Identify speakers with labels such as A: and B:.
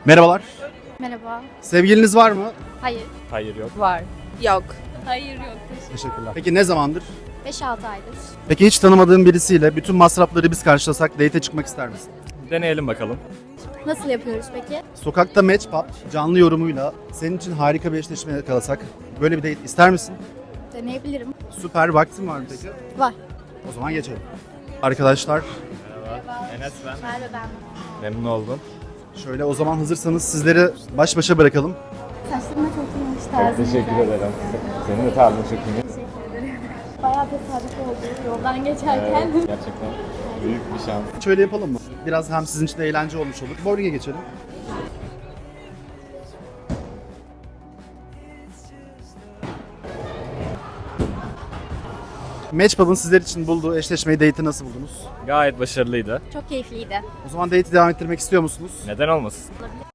A: Merhabalar.
B: Merhaba.
A: Sevgiliniz var mı?
B: Hayır.
C: Hayır yok.
B: Var.
D: Yok.
B: Hayır yok.
A: Teşekkürler. Peki ne zamandır?
B: 5-6 aydır.
A: Peki hiç tanımadığın birisiyle bütün masrafları biz karşılasak date'e çıkmak ister misin?
C: Deneyelim bakalım.
B: Nasıl yapıyoruz peki?
A: Sokakta match pub canlı yorumuyla senin için harika bir eşleşme yakalasak böyle bir date ister misin?
B: Deneyebilirim.
A: Süper. Vaktin var mı peki?
B: Var.
A: O zaman geçelim. Arkadaşlar
C: Enes ben.
B: Merve ben.
C: Memnun oldum.
A: şöyle o zaman hazırsanız sizleri baş başa bırakalım.
B: Saçlarıma çok iyiymiş tarzım.
C: Teşekkür ederim. Senin de tarzın çok iyi.
B: Teşekkür ederim. Bayağı tesadüf oldu yoldan geçerken.
C: Gerçekten büyük bir şans.
A: Şöyle yapalım mı? Biraz hem sizin için de eğlence olmuş olur. Bowling'e geçelim. Matchpub'ın sizler için bulduğu eşleşmeyi, date'i nasıl buldunuz?
C: Gayet başarılıydı.
B: Çok keyifliydi.
A: O zaman date'i devam ettirmek istiyor musunuz?
C: Neden olmasın?
B: Olabilir.